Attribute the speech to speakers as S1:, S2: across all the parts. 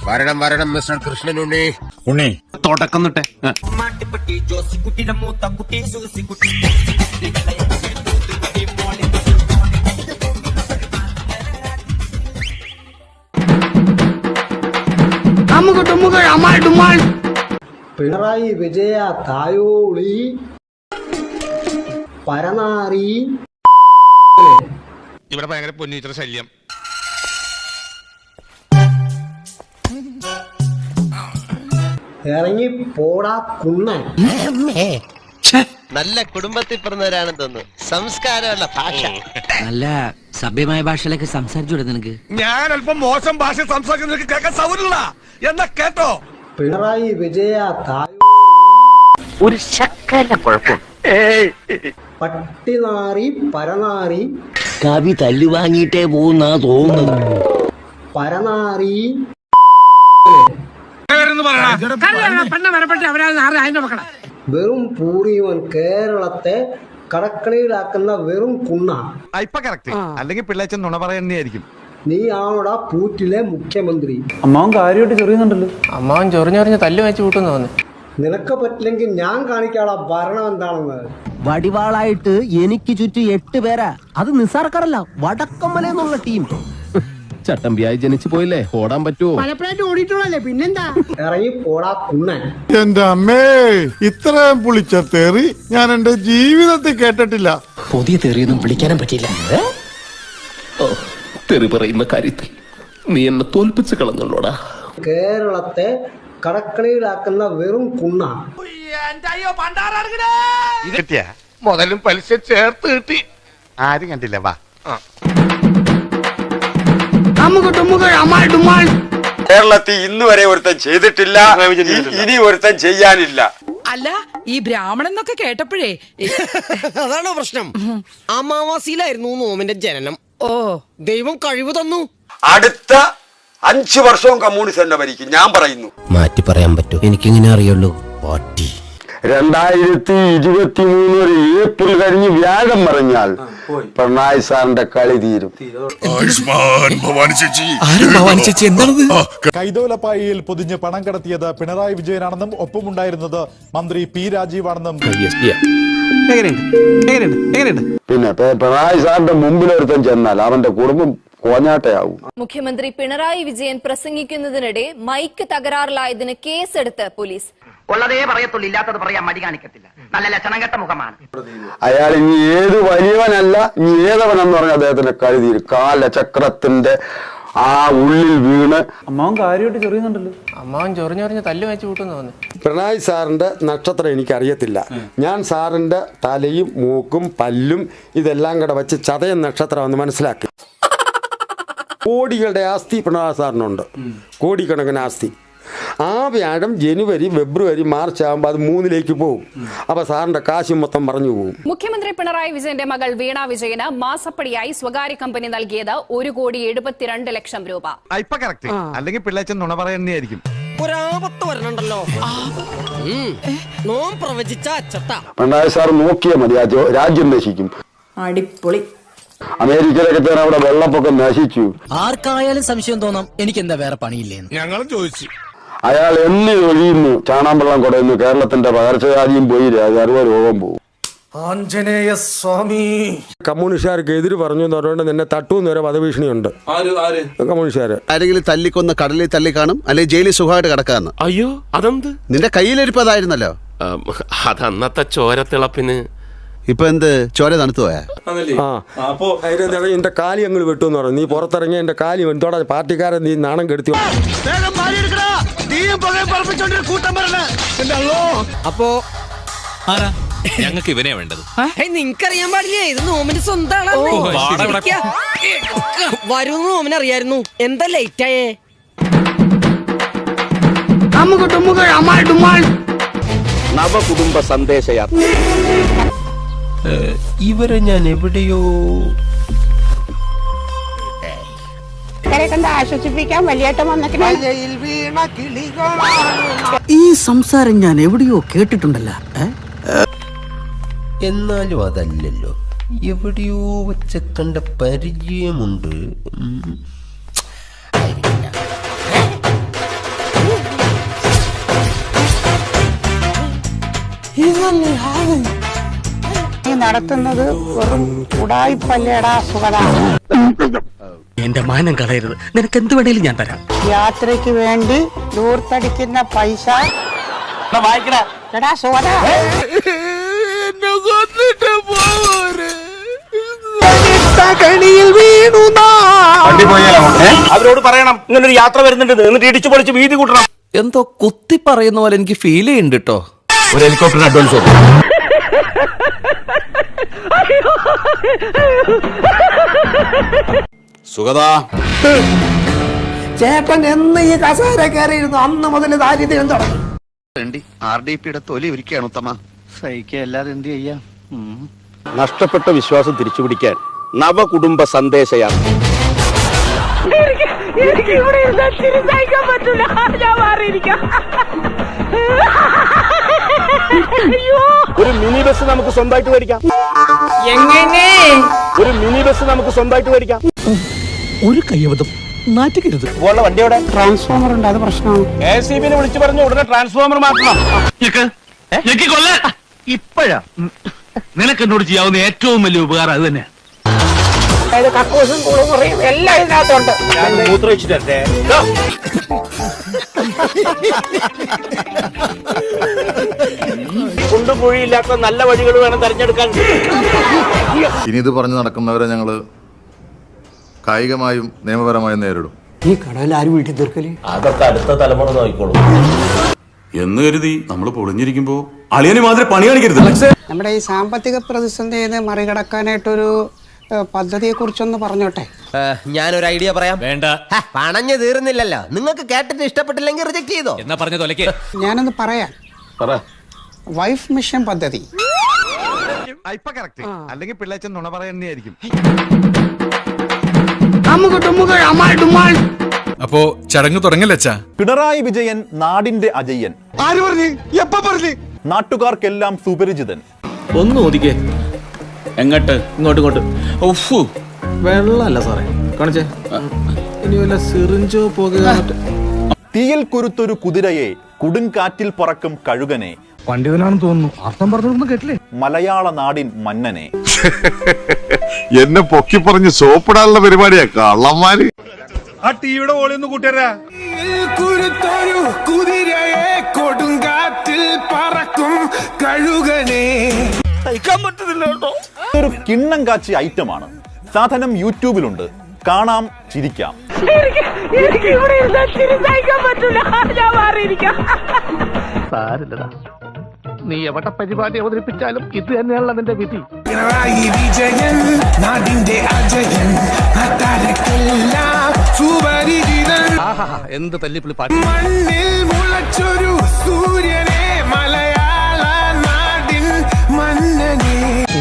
S1: വരണം വരണം മിസ്റ്റർ കൃഷ്ണനുണ്ണി.
S2: ഉണ്ണി
S3: തുടക്കം തൊട്ടേ
S4: പിണറായി വിജയ തായോളി പരനാറി.
S1: ഇവിടെ ഭയങ്കര പൊന്നീറ്റർ ശല്യം.
S4: ഇറങ്ങി പോടാ കുണ്ണൻ.
S5: നല്ല കുടുംബത്തിൽ പിറന്നവരാണെന്ന് തോന്നുന്നു. സംസ്കാരമുള്ള ഭാഷ,
S6: നല്ല സഭ്യമായ ഭാഷയിലൊക്കെ സംസാരിച്ചു നിനക്ക്.
S1: ഞാൻ അല്പം മോശം ഭാഷ സംസാരിക്കുന്ന കേൾക്കാൻ സൗകര്യമില്ല എന്നാ കേട്ടോ.
S4: പിണറായി വിജയ തായോളി
S6: ഒരു ശക്കല കുഴപ്പം.
S4: പട്ടിനാറി പരനാറി.
S6: കവി തല്ലുവാങ്ങിയിട്ടേ പോകുന്നാ തോന്നുന്നത്.
S4: പരനാറി. വെറും പൂറിയവൻ കേരളത്തെ കടക്കളിയിലാക്കുന്ന വെറും കുണ്ണ.
S3: അല്ലെങ്കിൽ പിള്ളേച്ചൻ നുണ പറയുന്നതായിരിക്കും.
S4: നീ ആണോടാ പൂറ്റിലെ മുഖ്യമന്ത്രി.
S7: അമ്മാവൻ കാര്യമായിട്ട് ചൊറിയുന്നുണ്ടല്ലോ.
S8: അമ്മാവൻ ചൊറിഞ്ഞൊറിഞ്ഞ് തല്ലു വെച്ച് കൂട്ടുന്നു തോന്നുന്നു.
S4: നിനക്ക് പറ്റില്ലെങ്കിൽ ഞാൻ കാണിക്കാളാ ഭരണം എന്താണെന്ന്.
S6: വടിവാളായിട്ട് എനിക്ക് ചുറ്റും 8 പേരാ. അത് നിസ്സാർക്കാരല്ല, വടക്കമ്മലെന്നുള്ള ടീം. ചട്ടമ്പിയായി ജനിച്ചു പോയില്ലേ, ഓടാൻ പറ്റുമോ?
S4: പലപ്പോഴായിട്ട് ഓടിയിട്ടുള്ളല്ലേ, പിന്നെന്താ. ഇറങ്ങി പോടാ കുണ്ണൻ.
S2: എന്റെ അമ്മേ, ഇത്രയും പുളിച്ച തെറി ഞാൻ എന്റെ ജീവിതത്തിൽ കേട്ടിട്ടില്ല.
S6: പുതിയ തെറിയൊന്നും വിളിക്കാനും പറ്റിയില്ല. തെറി പറയുന്ന കാര്യത്തിൽ നീ എന്നെ തോൽപ്പിച്ച് കളഞ്ഞല്ലോടാ.
S4: കേരളത്തെ കടക്കളിയിലാക്കുന്ന വെറും കുണ്ണ.
S1: കിട്ടിയ മുതലും പലിശ ചേർത്ത് കിട്ടി. ആരും കണ്ടില്ല. വാ
S9: കേരളത്തിൽ ഇന്ന് വരെ ഒരുത്തൻ ചെയ്തിട്ടില്ല, ഇനി ഒരുത്തൻ ചെയ്യാനില്ല.
S10: അല്ല, ഈ ബ്രാഹ്മണൻ എന്നൊക്കെ കേട്ടപ്പോഴേ
S5: അതാണോ പ്രശ്നം? അമാവാസിയിലായിരുന്നു നോമിന്റെ ജനനം. ഓ, ദൈവം കഴിവ് തന്നു.
S9: അടുത്ത 5 വർഷവും കമ്മ്യൂണിസ്റ്റ് തന്നെ ഭരിക്കും. ഞാൻ പറയുന്നു,
S6: മാറ്റി പറയാൻ പറ്റൂ, എനിക്കിങ്ങനെ അറിയുള്ളൂ. പാട്ടി
S9: 2023 ഏപ്രിൽ കഴിഞ്ഞ് വ്യാഴം പറഞ്ഞാൽ പിണറായി സാറിന്റെ കളി തീരും.
S2: കൈതോലപ്പായിൽ പൊതിഞ്ഞ് പണം കടത്തിയത് പിണറായി വിജയനാണെന്നും ഒപ്പമുണ്ടായിരുന്നത് മന്ത്രി പി രാജീവാണെന്നും.
S9: പിന്നെ പിണറായി സാറിന്റെ മുമ്പിൽ ഒരുത്തൻ ചെന്നാൽ അവന്റെ കുടുംബം കോഞ്ഞാട്ടയാവും.
S11: മുഖ്യമന്ത്രി പിണറായി വിജയൻ പ്രസംഗിക്കുന്നതിനിടെ മൈക്ക് തകരാറിലായതിന് കേസെടുത്ത് പോലീസ്.
S6: ഉള്ളതേ പറയത്തുള്ളൂ, ഇല്ലാത്തത് പറയാൻ മടി കാണിക്കത്തില്ല. നല്ല ലക്ഷണം കെട്ട മുഖമാണ്
S9: അയാൾ. ഇനി ഏത് വലിയവനല്ല, ഇനി ഏതവനെന്ന് പറഞ്ഞ അദ്ദേഹത്തിന്റെ കളി തീരും. കാലചക്രത്തിന്റെ ആ ഉള്ളിൽ വീണ്.
S7: അമ്മാവൻ കാര്യമായിട്ട് ചൊറിയുന്നുണ്ടല്ലോ.
S8: അമ്മാവൻ ചൊറിഞ്ഞൊറിഞ്ഞ് തല്ലു വെച്ച് കൂട്ടുന്നു തോന്നുന്നു.
S9: പിണറായി സാറിന്റെ നക്ഷത്രം എനിക്കറിയത്തില്ല. ഞാൻ സാറിന്റെ തലയും മൂക്കും പല്ലും ഇതെല്ലാം കൂടെ വെച്ച് ചതയൻ നക്ഷത്രമെന്ന് മനസ്സിലാക്കി. കോടികളുടെ ആസ്തി പിണറായി സാറിനുണ്ട്, കോടിക്കണക്കിന് ആസ്തി. ആ വ്യാഴം ജനുവരി ഫെബ്രുവരി മാർച്ച് ആകുമ്പോൾ അത് 3ലേക്ക് പോകും. അപ്പൊ സാറിന്റെ കാശ് മൊത്തം പറഞ്ഞു പോകും.
S11: മുഖ്യമന്ത്രി പിണറായി വിജയന്റെ മകൾ വീണ വിജയന് മാസപ്പടിയായി സ്വകാര്യ കമ്പനി നൽകിയത് 1,72,00,000 രൂപ.
S3: അല്ലെങ്കിൽ പിള്ളേച്ചൻ നുണ പറയുന്നതായിരിക്കും.
S5: ഒരാപത്ത് വരണുണ്ടല്ലോ. നോം പ്രവചിച്ച അച്ചട്ട.
S9: പിണറായി സാർ നോക്കിയാൽ മതി, രാജ്യം നശിക്കും.
S10: അടിപൊളി.
S9: അമേരിക്കയിലൊക്കെ തന്നെ അവിടെ വെള്ളപ്പൊക്കം നശിച്ചു.
S6: ആർക്കായാലും സംശയം തോന്നാം, എനിക്ക് എന്താ വേറെ പണിയില്ലേന്ന്.
S1: ഞങ്ങളും ചോദിച്ചു.
S9: അയാൾ എന്നി ഒഴിയുന്നു, ചാണാൻ വെള്ളം കുടയുന്നു. കേരളത്തിന്റെ പകർച്ചവ്യാധിയും പോയി, സർവ്വ രോഗം പോകും.
S7: ആഞ്ജനേയ സ്വാമി.
S9: കമ്മ്യൂണിസ്റ്റുകാർക്ക് എതിര് പറഞ്ഞു എന്ന് പറഞ്ഞുകൊണ്ട് നിന്നെ തട്ടൂന്ന് വരെ വധഭീഷണിയുണ്ട് കമ്മ്യൂണിസ്റ്റുകാര്.
S5: ആരെങ്കിലും തല്ലിക്കൊന്ന് കടലിൽ തല്ലി കാണും, അല്ലെങ്കിൽ ജയിലിൽ സുഖമായിട്ട് കിടക്കാന്ന്.
S1: അയ്യോ, അതെന്ത്?
S5: നിന്റെ കയ്യിലിരിപ്പതായിരുന്നല്ലോ.
S1: അതന്നത്തെ ചോരത്തിളപ്പിന്.
S5: ഇപ്പൊ എന്ത് ചോര തണുത്തു പോയാ?
S9: എന്റെ കാലി അങ്ങ് വെട്ടുമെന്ന് പറഞ്ഞു. നീ പുറത്തിറങ്ങി എന്റെ കാലി എന്തോടാ പാർട്ടിക്കാരൻ നീ നാണം കെടുത്തി.
S5: അപ്പോ
S1: ഞങ്ങൾക്ക് ഇവനെ വേണ്ടത്.
S5: നിങ്ങൾക്കറിയാൻ പാടില്ലേ, ഇത് നോമിന് സ്വന്തമാണ്. വരും നോമിന് അറിയായിരുന്നു. എന്താ ലേറ്റായേ?
S9: നവകുടുംബ സന്ദേശയാത്ര.
S6: ഇവരെ ഞാൻ എവിടെയോ
S10: ആശ്വസിപ്പിക്കാൻ വലിയേട്ടം വന്നിട്ട്
S6: ഈ സംസാരം ഞാൻ എവിടെയോ കേട്ടിട്ടുണ്ടല്ലോ. എന്നാലും അതല്ലല്ലോ, എവിടെയോ വെച്ച കണ്ട പരിചയമുണ്ട്.
S10: നീ നടത്തുന്നത് വെറും ഉടായിപ്പല്ലേടാ സുഗത.
S6: എന്റെ മാനം കളയരുത്, നിനക്ക് എന്ത് വേണേലും ഞാൻ തരാം.
S10: യാത്രയ്ക്ക് വേണ്ടി ദൂർത്തടിക്കുന്ന പൈസ എടാ സുഗത.
S6: അവരോട് പറയണം ഇങ്ങനൊരു യാത്ര വരുന്നുണ്ട്, എന്നിട്ട് ഇടിച്ചു പൊളിച്ച് വീതി കൂട്ടണം.
S8: എന്തോ കുത്തി പറയുന്ന പോലെ എനിക്ക് ഫീൽ ചെയ്യുന്നുണ്ട് കേട്ടോ.
S6: ഒരു ഹെലികോപ്റ്റർ അഡ്വാൻസ്
S5: സുഗത
S4: ചേട്ടൻ എന്ന് ഈ കസേര കയറിയിരുന്നു അന്ന് മുതൽ ദാരിദ്ര്യം തുടങ്ങി.
S5: RDPയുടെ തൊലി ഒരുക്കുകയാണ് ഉത്തമ.
S6: സഹിക്കല്ലാതെ എന്ത് ചെയ്യാം.
S5: നഷ്ടപ്പെട്ട വിശ്വാസം തിരിച്ചുപിടിക്കാൻ നവകുടുംബ സന്ദേശയാത്ര.
S10: എനിക്ക് ഇവിടെ സഹിക്കാൻ പറ്റൂല, ഞാൻ മാറിയിരിക്കാം.
S5: ഒരു മിനി ബസ് നമുക്ക് സ്വന്തമായിട്ട് മേടിക്കാം.
S10: എങ്ങനെ
S5: ഒരു മിനി ബസ് നമുക്ക് സ്വന്തമായിട്ട് മേടിക്കാം.
S6: ഒരു കയ്യബദ്ധം നാറ്റിക്കരുത്.
S5: വണ്ടിയോടെ
S10: ട്രാൻസ്ഫോമർ ഉണ്ട്, അത് പ്രശ്നമാണ്.
S5: ACBനെ വിളിച്ചു പറഞ്ഞു ഉടനെ ട്രാൻസ്ഫോമർ മാറ്റണം.
S6: ഇപ്പഴാ നിനക്ക് എന്നോട് ചെയ്യാവുന്ന ഏറ്റവും വലിയ ഉപകാരം അത് തന്നെ.
S10: അതായത് കക്കൂസും കുളിമുറിയും എല്ലാം ഇതിനകത്തുണ്ട്.
S5: കുണ്ടുകുഴിയില്ലാത്ത നല്ല വഴികൾ വേണം തെരഞ്ഞെടുക്കാൻ.
S12: ഇനി ഇത് പറഞ്ഞു നടക്കുന്നവരെ ഞങ്ങള് കായികമായും നിയമപരമായും നേരിടും.
S4: ഈ കടയിൽ ആരും വീട്ടിൽ തീർക്കല്?
S6: അതൊക്കെ അടുത്ത തലമുറ നോക്കിക്കോളും
S12: എന്ന് കരുതി നമ്മൾ പൊളിഞ്ഞിരിക്കുമ്പോ അളിയന് മാതിരി പണി കാണിക്കരുത്.
S10: നമ്മുടെ ഈ സാമ്പത്തിക പ്രതിസന്ധിയെ മറികടക്കാനായിട്ടൊരു പദ്ധതിയെ കുറിച്ചൊന്ന് പറഞ്ഞോട്ടെ.
S6: ഞാനൊരു ഐഡിയ പറയാം. വേണ്ട, പണഞ്ഞു തീർന്നില്ലല്ലോ. നിങ്ങൾക്ക് കേട്ടിട്ട് ഇഷ്ടപ്പെട്ടില്ലെങ്കിൽ റിജക്ട് ചെയ്തോ എന്നാ പറഞ്ഞ തൊലക്ക്.
S10: ഞാനൊന്ന് പറയാം. വൈഫ് മിഷൻ പദ്ധതി.
S3: ഇപ്പൊ കറക്റ്റ്, അല്ലെങ്കിൽ പിള്ളേച്ചൻ നുണ പറയുന്നതായിരിക്കും.
S12: അപ്പോ ചടങ്ങ് തുടങ്ങലച്ചാ.
S2: പിണറായി വിജയൻ നാടിന്റെ അജയ്യൻ.
S3: ആര് പറഞ്ഞു? എപ്പ പറഞ്ഞു?
S2: നാട്ടുകാർക്കെല്ലാം സുപരിചിതൻ.
S8: ഒന്ന് ഒതുക്കേ. എങ്ങോട്ട്? ഇങ്ങോട്ട്. ഉഫു, വെള്ളമല്ല സാറേ കാണിച്ചേ. ഇനി വല്ല സിറിഞ്ചോ പോകുക.
S2: തീയിൽ കുരുത്തൊരു കുതിരയെ കൊടുങ്കാറ്റിൽ പറക്കും കഴുകനെ.
S7: പണ്ഡിതനാണെന്ന് തോന്നുന്നു, അർത്ഥം പറഞ്ഞൊന്നും കേട്ടില്ലേ?
S2: മലയാള നാടിൻ മന്നനെ.
S12: എന്നെ പൊക്കി പറഞ്ഞ് സോപ്പിടാനുള്ള പരിപാടിയാ കള്ളന്മാര്.
S3: ആ ടിവിയുടെ ഓളി ഒന്ന് കൂട്ടിയരാ.
S7: കുതിരയെ കൊടുങ്കാറ്റിൽ പറക്കും കഴുകനെ.
S2: ഒരു കിണ്ണം കാച്ചി ഐറ്റമാണ്. സാധനം യൂട്യൂബിലുണ്ട്, കാണാം, ചിരിക്കാം.
S10: എനിക്ക് ഇവിടെ സഹിക്കാൻ പറ്റൂല, ഞാൻ മാറിയിരിക്കാം.
S6: നീ എവിടെ പരിപാടി അവതരിപ്പിച്ചാലും ഇത് തന്നെയാണല്ലോ നിന്റെ വിധി.
S7: പിണറായി വിജയൻ നാടിന്റെ അജയൻ, അതാരക്കെല്ലാം സുപരിചിതൻ.
S6: എന്ത് തല്ലിപ്പിളി പാട്ട്.
S7: മണ്ണിൽ മുളച്ചൊരു സൂര്യനെ, മലയാള നാടിൻ മന്നനെ.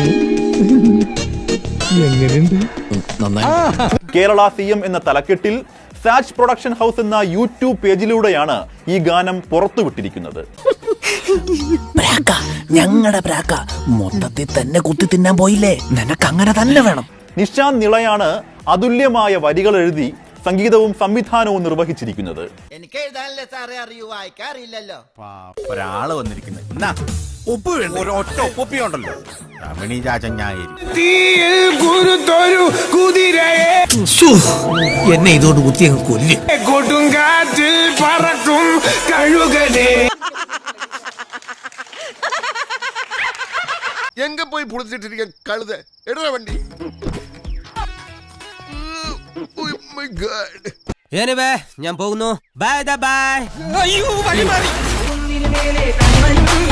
S2: കേരള CM എന്ന തലക്കെട്ടിൽ സാച്ച് പ്രൊഡക്ഷൻ ഹൗസ് എന്ന യൂട്യൂബ് പേജിലൂടെയാണ് ഈ ഗാനം പുറത്തുവിട്ടിരിക്കുന്നത്.
S6: ഞങ്ങളുടെ പ്രാക്ക മൊത്തത്തിൽ തന്നെ കുത്തി തിന്നാൻ പോയില്ലേ, നിനക്ക് അങ്ങനെ തന്നെ വേണം.
S2: നിശാന്ത് നിളയാണ് അതുല്യമായ വരികൾ എഴുതി സംഗീതവും സംവിധാനവും നിർവഹിച്ചിരിക്കുന്നത്.
S6: എനിക്ക് എഴുതാനല്ലേ സാറേ അറിയൂ, വായിക്കാറില്ലല്ലോ.
S3: ഒരാള് വന്നിരിക്കുന്നത് ഒരൊറ്റ ഒപ്പിയുണ്ടല്ലോ.
S7: തീയിൽ കുരുത്തൊരു കുതിരയെ
S6: എന്നെ ഇതോട് കുത്തി അങ്ങ് കൊല്ല്.
S7: കൊടുങ്കാറ്റിൽ പറക്കും കഴുകനെ.
S12: എങ്ക പോയി പൊളിച്ചിട്ടിരിക്കാൻ കഴുത എടാ വണ്ടി.
S6: ഞാൻ പോകുന്നു. Bye bye.
S7: അയ്യോ, വഴി മാറി.